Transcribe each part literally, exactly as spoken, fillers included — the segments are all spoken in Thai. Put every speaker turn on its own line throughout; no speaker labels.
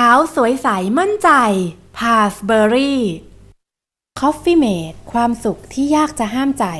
าวสวยใสมั่นใจ พาสเบอรี่ Coffee Mate ความสุขที่ยากจะห้ามใจ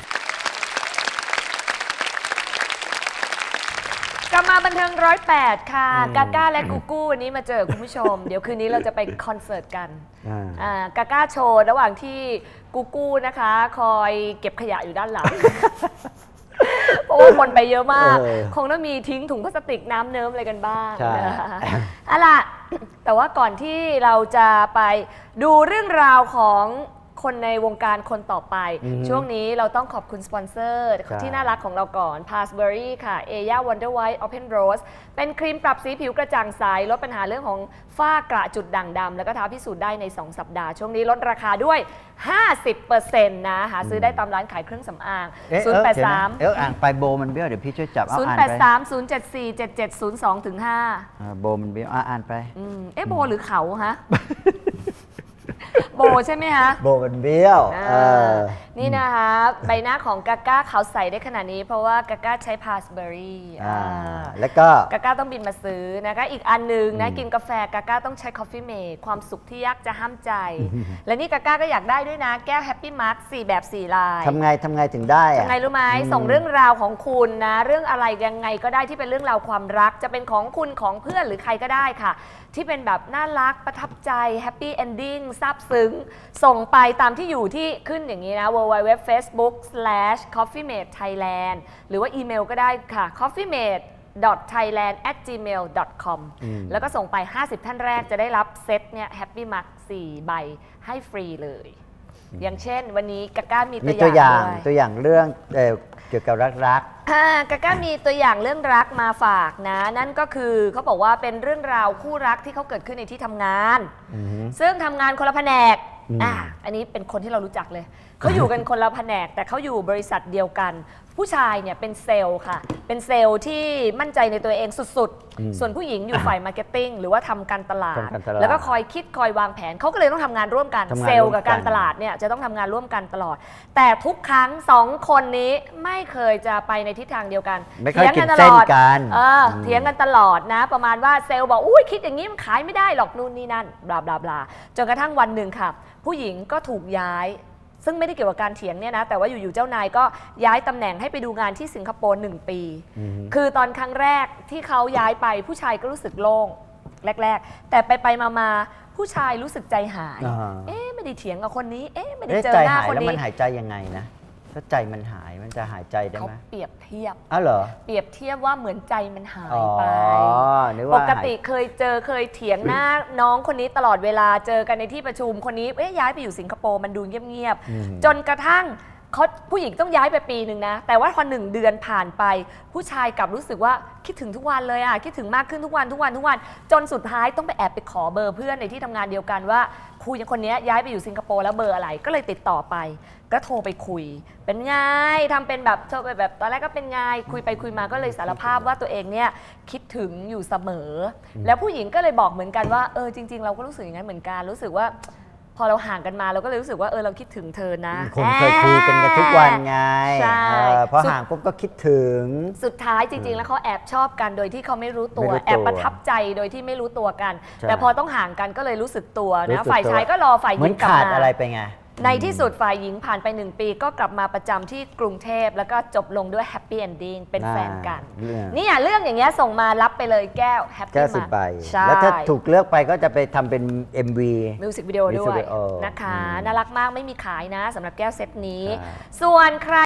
กลับมาบันเทิงร้อยแปดค่ะกาก้าและกูกูวันนี้มาเจอคุณผู้ชม เดี๋ยวคืนนี้เราจะไปคอนเสิร์ตกันกาก้าโชว์ระหว่างที่กูกูนะคะ คอยเก็บขยะอยู่ด้านหลัง เพราะว่าคนไปเยอะมาก คงต้องมีทิ้งถุงพลาสติกน้ำเนิ้มอะไรกันบ้างนะคะเอาล่ะแต่ว่าก่อนที่เราจะไปดูเรื่องราวของคนในวงการคนต่อไปช่วงนี้เราต้องขอบคุณสปอนเซอร์ที่น่ารักของเราก่อน Passbury ค่ะ Aya Wonder White Open Rose เป็นครีมปรับสีผิวกระจ่างใสลดปัญหาเรื่องของฝ้ากระจุดด่างดำแล้วก็ท้าพิสูจน์ได้ในสองสัปดาห์ช่วงนี้ลดราคาด้วย ห้าสิบเปอร์เซ็นต์ นะหาซื้อได้ตามร้านขายเครื่องสำอางศูนย์ แปด สาม
เอออ่านไปโบมันเบี้ยวเดี๋ยวพี่ช่วยจับเอา
ศูนย์
อ่าน
แปด
ไป
สาม ศูนย์ เจ็ด สี่ เจ็ด เจ็ด ศูนย์ สอง ถึง ห้า
โบมันเบี้ยวอ่านไป
เอ๊ะโบหรือเขาฮะโบใช่ไหมฮะ
โบมันเบี้ยว
นี่นะคะใบหน้าของกาก้าขาวใสได้ขนาดนี้เพราะว่ากาก้าใช้พาสเบอรี่
แล้วก็
กาก้าต้องบินมาซื้อนะคะอีกอันหนึ่งนะกินกาแฟกาก้าต้องใช้ Coffee Mate ความสุขที่ยากจะห้ามใจ และนี่กาก้าก็อยากได้ด้วยนะแก้ว Happy Mark สี่แบบสี่ลาย
ทำไงทำไงถึงได้
ทำไงรู้ไหมส่งเรื่องราวของคุณนะเรื่องอะไรยังไงก็ได้ที่เป็นเรื่องราวความรักจะเป็นของคุณของเพื่อนหรือใครก็ได้ค่ะที่เป็นแบบน่ารักประทับใจ Happy Ending ซาบซึ้งส่งไปตามที่อยู่ที่ขึ้นอย่างนี้นะ ดับเบิลยู ดับเบิลยู ดับเบิลยู ดอท เฟซบุ๊ก สแลช คอฟฟี่เมท ไทยแลนด์ หรือว่าอีเมลก็ได้ค่ะ คอฟฟี่เมท ดอท ไทยแลนด์ แอท จีเมล ดอท คอม แล้วก็ส่งไปห้าสิบท่านแรกจะได้รับเซตเนี่ย Happy Mark สี่ใบให้ฟรีเลยอย่างเช่นวันนี้กาก้ามีตัวอย่าง
ตัวอย่างเรื่องเกี่ยวกับรัก
ๆกาก้ามีตัวอย่างเรื่องรักมาฝากนะนั่นก็คือเขาบอกว่าเป็นเรื่องราวคู่รักที่เขาเกิดขึ้นในที่ทำงานซึ่งทำงานคนละแผนกอ่ะอันนี้เป็นคนที่เรารู้จักเลยเขาอยู่กันคนละแผนกแต่เขาอยู่บริษัทเดียวกันผู้ชายเนี่ยเป็นเซลล์ค่ะเป็นเซลล์ที่มั่นใจในตัวเองสุดๆส่วนผู้หญิงอยู่ฝ่ายมาร์เก็ตติ้งหรือว่าทำการตลาดแล้วก็คอยคิดคอยวางแผนเขาก็เลยต้องทำงานร่วมกันเซลล์กับการตลาดเนี่ยจะต้องทำงานร่วมกันตลอดแต่ทุกครั้งสองคนนี้ไม่เคยจะไปในทิศทางเดียวกัน
เถียงกันตลอด
เออเถียงกันตลอดนะประมาณว่าเซลล์บอกอุ้ยคิดอย่างนี้มันขายไม่ได้หรอกนู่นนี่นั่นบลาบลาบลาจนกระทั่งวันหนึ่งค่ะผู้หญิงก็ถูกย้ายซึ่งไม่ได้เกี่ยวกับการเถียงเนี่ยนะแต่ว่าอยู่ๆเจ้านายก็ย้ายตำแหน่งให้ไปดูงานที่สิงคโปร์หนึ่งปีคือตอนครั้งแรกที่เขาย้ายไปผู้ชายก็รู้สึกโล่งแรกๆแต่ไปไปมาๆผู้ชายรู้สึกใจหายเอ๊ะไม่ได้เถียงกับคนนี้เอ๊ะไม่ได้เจอหน้าคนนี้
แล้วมันหายใจยังไงนะถ้าใจมันหายมันจะหายใจได้ไหม
เขาเปรียบเทียบ
อ้าวเหรอ
เปรียบเทียบว่าเหมือนใจมันหายไปปกติเคยเจอเคยเถียงหน้าน้องคนนี้ตลอดเวลาเจอกันในที่ประชุมคนนี้เอ๊ะย้ายไปอยู่สิงคโปร์มันดูเงียบๆจนกระทั่งเขาผู้หญิงต้องย้ายไปปีหนึ่งนะแต่ว่าพอหนึ่งเดือนผ่านไปผู้ชายกลับรู้สึกว่าคิดถึงทุกวันเลยอ่ะคิดถึงมากขึ้นทุกวันทุกวันทุกวันจนสุดท้ายต้องไปแอบไปขอเบอร์เพื่อนในที่ทำงานเดียวกันว่าครูคนนี้ย้ายไปอยู่สิงคโปร์แล้วเบอร์อะไรก็เลยติดต่อไปก็โทรไปคุยเป็นไงทำเป็นแบบโทรไปแบบตอนแรกก็เป็นไงคุยไปคุยมาก็เลยสารภาพว่าตัวเองเนี่ยคิดถึงอยู่เสมอแล้วผู้หญิงก็เลยบอกเหมือนกันว่าเออจริงๆเราก็รู้สึกอย่างนั้นเหมือนกันรู้สึกว่าพอเราห่างกันมาเราก็เลยรู้สึกว่าเออเราคิดถึงเธอนะ
คนเคยคุยกันทุกวันไงใช่พอห่างปุ๊บก็คิดถึง
สุดท้ายจริงๆแล้วเขาแอบชอบกันโดยที่เขาไม่รู้ตัวแอบประทับใจโดยที่ไม่รู้ตัวกันแต่พอต้องห่างกันก็เลยรู้สึกตัวนะฝ่ายชายก็รอฝ่ายหญิงกลับมา
เหมือนขาดอะไรไปไง
ในที่สุดฝ่ายหญิงผ่านไปหนึ่งปีก็กลับมาประจำที่กรุงเทพแล้วก็จบลงด้วยแฮปปี้เอนดิ้งเป็นแฟนกันนี่เรื่องอย่างเงี้ยส่งมารับไปเลยแก้วแฮปปี้มา
แล้วถ้าถูกเลือกไปก็จะไปทำเป็น เอ็ม วี
มิวสิกวิดีโอด้วยนะคะน่ารักมากไม่มีขายนะสำหรับแก้วเซตนี้ส่วนใคร